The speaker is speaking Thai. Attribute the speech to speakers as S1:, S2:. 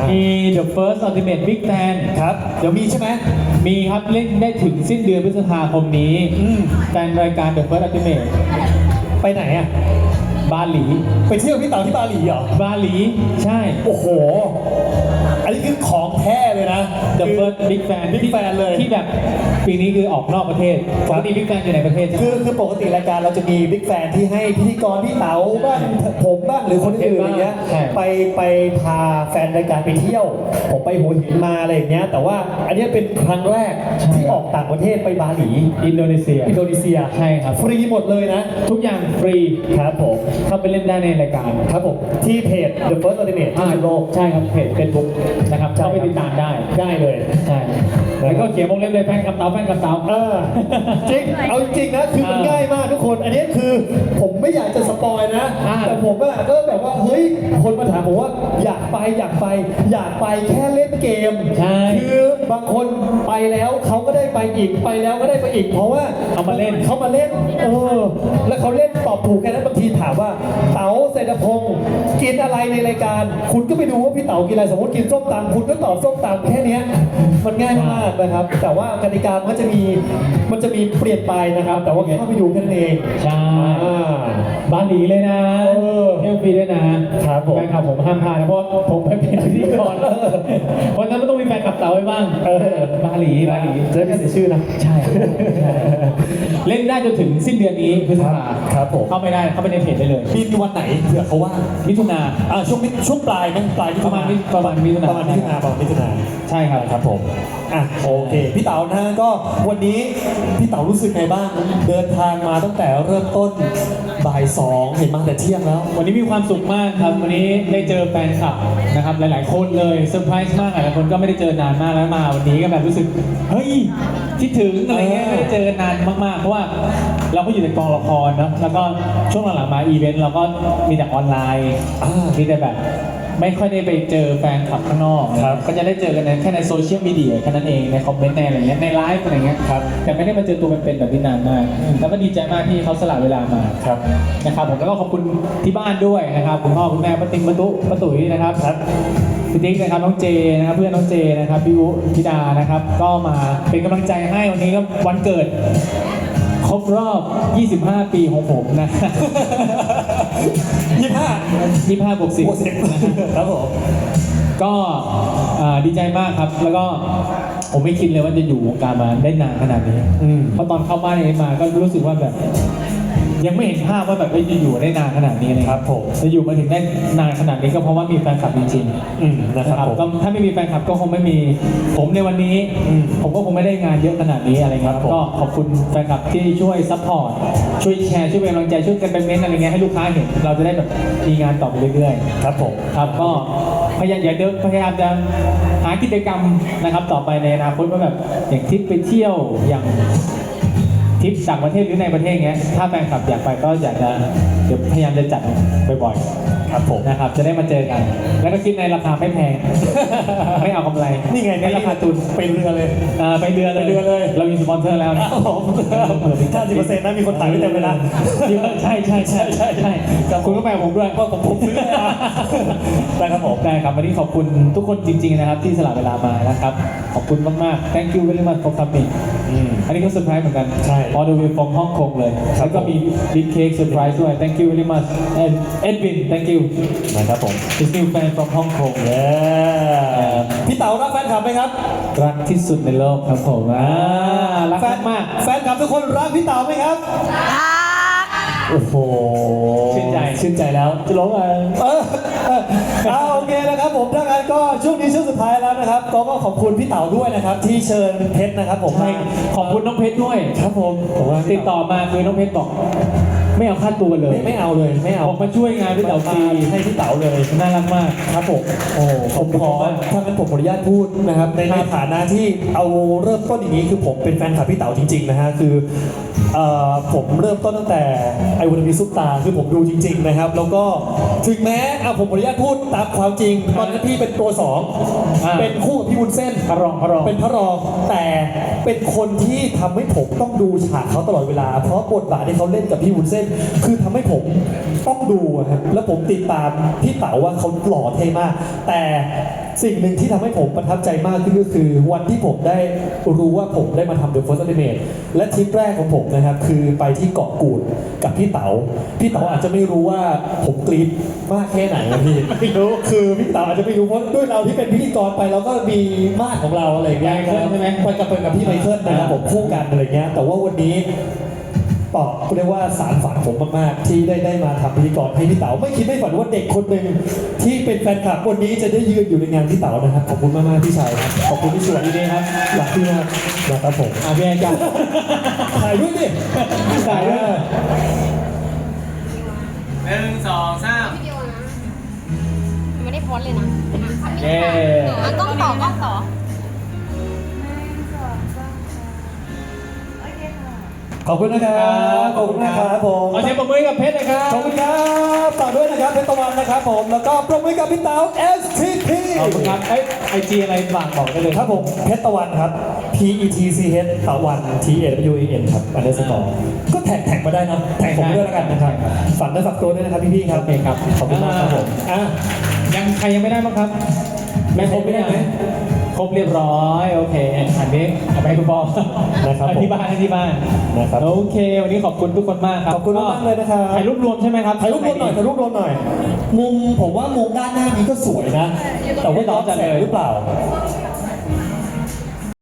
S1: มี The First Ultimate Big Fan
S2: ครับเดี๋ยวมีใช่ไหม
S1: มีครับเล่นได้ถึงสิ้นเดือนพฤษภาคมนี้แฟนรายการ The First Ultimate
S2: ไปไหนอ่ะ
S1: บาหลี
S2: ไปเที่ยวพี่เต๋าที่บาหลีเหรอบ
S1: าหลีใช่
S2: โอ้โหอันนี้คือของแท้เลยนะ
S1: The First Big Fan
S2: Big Fan เลย
S1: ที่แบบปีนี้คือออกนอกประเทศปกติ Big Fan อยู่ในประเทศใช่ไหม
S2: คือปกติรายการเราจะมีบิ๊กแฟนที่ให้พิธีกรพี่เต๋าบ้างผมบ้างหรือคนอื่นอย่างเงี้ยไปพาแฟนรายการไปเที่ยวผมไปหัวหินมาอะไรอย่างเงี้ยแต่ว่าอันนี้เป็นครั้งแรกที่ออกต่างประเทศไปบาหลี
S1: อินโดนีเซียใช่ครับ
S2: ฟรีหมดเลยนะ
S1: ทุกอย่างฟรี
S2: ครับผม
S1: เข้าไปเล่นได้ในรายการ
S2: ครับผมที่เพจ The First Ultimate ที่สุดโลก
S1: ใช่ครับเพจ Facebook นะครับเข้าไปติดตามได้
S2: เลย
S1: ใช่แล้วก็เขียนวงเล็บเลยแฟนคลับเต๋า
S2: จริงเอาจริงนะคือมันง่ายมากทุกคนอันนี้คือผมไม่อยากจะสปอยนะแต่ผมก็แบบว่าเฮ้ยคนมาถามผมว่าอยากไปแค่เล่นเกมคือบางคนไปแล้วเขาก็ได้ไปอีกไปแล้วก็ได้ไปอีกเพราะว่า
S1: เขามาเล่น
S2: แล้วเขาเล่นตอบถูกแค่นั้นบางทีถามว่าเต๋าเศรษฐพงศ์กินอะไรในรายการคุณก็ไปดูว่าพี่เต๋ากินอะไรสมมติกินส้มตำคุณก็ตอบส้มตำแค่นี้มันง่ายมากนะครับแต่ว่ากติกามันจะมีเปลี่ยนไปนะครับแต่ว่าเข้าไปดูแค่นั้นเอง
S1: ใช่บาหลีเลยนะเที่ยวฟรีด้วยนะครับผมแฟนคลับผมห้ามพลาดนะเพราะผมไปเป็นพิธีกรวันนั้นมันต้องมีแฟนคลับเต๋าไว้บ้างบาหลี
S2: จะได้ไม่เสียชื่อนะ
S1: ใช่เล่นได้จนถึงสิ้นเดือนนี้พฤษภา
S2: ครับผม
S1: เข้าไม่ได้เข้าไปในเพจได้เลย
S2: มีวันไหนเผื่อเขาว่า
S1: มิถุนา
S2: ช่วงปลายมั้งปลาย
S1: ประมาณมิถุนาใช่
S2: ครับผมโอเคพี่เต๋านะก็วันนี้พี่เต๋ารู้สึกไงบ้างเดินทางมาตั้งแต่เริ่มต้นบ่าย2เห็นมาแต่เที่ยงแล้ว
S1: วันนี้มีความสุขมากครับวันนี้ได้เจอแฟนคลับนะครับหลายๆคนเลยเซอร์ไพรส์มากหลายคนก็ไม่ได้เจอนานมากแล้วมาวันนี้ก็แบบรู้สึกเฮ้ยคิดถึงอะไรเงี้ยไม่ได้เจอกันนานมากๆเพราะว่าเราก็อยู่ในกองละครนะแล้วก็ช่วงหลังๆมาอีเวนต์เราก็มีแต่ออนไลน์มีแต่แบบไม่ค่อยได้ไปเจอแฟนคลับข้างนอกก็จะได้เจอกันแค่ในโซเชียลมีเดียแค่นั้นเองในคอมเมนต์ในอะไรเงี้ยในไลฟ์อะไรเงี้ยแต่ไม่ได้มาเจอตัวเป็นๆแบบนี้นานมากแล้วก็ดีใจมากที่เขาสละเวลามานะครับผมแล้วก็ขอบคุณที่บ้านด้วยนะครับคุณพ่อคุณแม่ป้าติ๊กป้าตุ๋ยนะครับพี่ติ๊กนะครับน้องเจนะครับเพื่อนน้องเจนะครับพี่วุธิดานะครับก็มาเป็นกำลังใจให้วันนี้ก็วันเกิดครบรอบ25 ปีของผมนะ25 บวก 10
S2: ครับผม
S1: ก็ดีใจมากครับแล้วก็ผมไม่คิดเลยว่าจะอยู่วงการมาได้นานขนาดนี้เพราะตอนเข้าบ้านนี้มาก็รู้สึกว่าแบบยังไม่เห็นภาพว่าแบบจะอยู่ได้นานขนาดนี้เลย
S2: ครับผม
S1: จะอยู่มาถึงได้นานขนาดนี้ก็เพราะว่ามีแฟนคลับจริงๆนะครับก็ถ้าไม่มีแฟนคลับก็คงไม่มีผมในวันนี้ผมก็คงไม่ได้งานเยอะขนาดนี้อะไรเงี้ยก็ขอบคุณแฟนคลับที่ช่วยซัพพอร์ตช่วยแชร์ช่วยเป็นกำลังใจช่วยกันเป็นเมนต์อะไรเงี้ยให้ลูกค้าเห็นเราจะได้แบบมีงานต่อไปเรื่อย
S2: ๆครับผม
S1: ครับก็พยายามจะหากิจกรรมนะครับต่อไปในอนาคตว่าแบบอย่างทริปไปเที่ยวอย่างทริปต่างประเทศหรือในประเทศเงี้ยถ้าแฟนคลับอยากไปก็อยากจะเดี๋ยวพยายามจะจัดบ่อยๆ
S2: ครับผม
S1: นะครับจะได้มาเจอกันแล้วก็คิดในราคาไม่แพงไม่เอากำไร
S2: นี่ไงในราคาทุนไปเรือเลย
S1: ไปเรือเลยเรามีสปอนเซอร์แล้วนะ
S2: 50%นะมีคนถ่ายไว้เต็มเวลา
S1: ใช่คุณก็แปลผมด้วย
S2: ว่าผมซื้อ
S1: นะครับผมได้ครับวันนี้ขอบคุณทุกคนจริงๆนะครับที่สละเวลามานะครับขอบคุณมากๆ thank you very much for coming อันนี้ก็เซอร์ไพรส์เหมือนกันall the way from ฮ่องกงเลยแล้วก็มีบิ๊กเค้กเซอร์ไพรส์ด้วย thank you very much and Edwin thank you
S2: นะครับผม
S1: His new fan from Hong Kong
S2: พี่เต๋ารักแฟนคลับไหมครับ
S1: รักที่สุดในโลกครับผมรักมาก
S2: แฟนคลับทุกคนรักพี่เต๋าไหมครับโอ้โห
S1: ชื่นใจแล้วจะร้องอะไร
S2: โอเคนะครับผมถ้างั้นก็ช่วงนี้ช่วงสุดท้ายแล้วนะครับก็ขอบคุณพี่เต๋าด้วยนะครับที่เชิญเพชรนะครับผม
S1: ขอบคุณน้องเพชรด้วย
S2: ครับผม
S1: ติดต่อมาคือน้องเพชรบอกไม่เอาค่าตัวเลย
S2: ไม่เอา
S1: บอกมาช่วยงานพี่เต๋าฟรี
S2: ให้พี่เต๋าเลย
S1: น่ารักมาก
S2: ครับผมผมขอถ้างั้นผมขออนุญาตพูดนะครับในฐานะที่เอาเริ่มต้นอย่างนี้คือผมเป็นแฟนคลับพี่เต๋าจริงๆนะฮะคือผมเริ่มต้นตั้งแต่ไอวันมีซุปตาคือผมดูจริงๆนะครับแล้วก็ถึงแม้ผมขออนุญาตพูดตามความจริงตอนนั้นพี่เป็นตัวสองเป็นคู่กับพี่วุ้นเส้น
S1: พระรอง
S2: เป็นพระรองแต่เป็นคนที่ทำให้ผมต้องดูฉากเขาตลอดเวลาเพราะบทบาทที่เขาเล่นกับพี่วุ้นเส้น คือทำให้ผมต้องดูอะครับแล้วผมติดตามพี่เต๋าว่าเขาหล่อเท่มากแต่สิ่งหนึ่งที่ทำให้ผมประทับใจมากขึ้นก็คือวันที่ผมได้รู้ว่าผมได้มาทำ The First Ultimate และทริปแรกของผมนะครับคือไปที่เกาะกูดกับพี่เต๋าอาจจะไม่รู้ว่าผมกรี๊ดมากแค่ไหนนะพี่ไม่รู้คือพี่เต๋าอาจจะไม่รู้เพราะด้วยเราที่เป็นพิธีกรไปเราก็มีมาดของเราอะไรอย่างเงี้ยใช่ไหมไปกับพี่ไมเคิลนะครับผมคู่กันอะไรเงี้ยแต่ว่าวันนี้เรียกว่าสารฝันผมมากๆที่ได้มาทำพิธีกรให้พี่เต๋าไม่คิดไม่ฝันว่าเด็กคนหนึ่งที่เป็นแฟนคลับวันนี้จะได้ยืนอยู่ในงานพี่เต๋านะครับขอบคุณมากๆพี่ชายครับขอบคุณที่สวยดีๆครับรักพี่มากนะครับผม
S1: พี่แอนจ้ะ
S2: ถ่ายด้วยดิถ่ายด้วย
S1: 1 2 3
S3: วิดีโอนะไม่ได้โพสเลยนะ
S1: เย้
S3: กล้องต่อ
S2: ขอบคุณนะครับขอบคุณนะครับผม
S1: ขอเสียงปรบมือกับเพชรนะครับ
S2: ขอบคุณครับฝากด้วยนะครับเพชรตะวันนะครับผมแล้วก็ปรบมือกับพี่เต๋า STP
S1: ขอบคุณครับไอจีอะไรฝากบอกได้เลย
S2: ครับผมเพชรตะวันครับ PETCH ตะวัน TAWAN ครับอันเดอร์สกอร์ก็แท็กมาได้นะแท็กผมด้วยแล้วกันนะครับฝากได้ฝากตัวด้วยนะครับพี่ๆครับ
S1: โอเคครับ
S2: ขอบคุณมากครับผม
S1: ใครยังไม่ได้บ้างครับไม่ครบไม่ได้ไหมครบเรียบร้อยโอเคอันนี้เอาไปให้คุณพ่อ
S2: นะครับ
S1: ที่บ้าน
S2: นะครับ
S1: โอเควันนี้ขอบคุณทุกคนมากครับ
S2: ขอบคุณมากเลยนะครับ
S1: ถ่ายรูปรวมใช่ไหมครับ
S2: ถ่ายรูปรวมหน่อยมุมผมว่ามุมด้านหน้านี้ก็สวยนะแต่ว่าย้อนแสงหรือเปล่า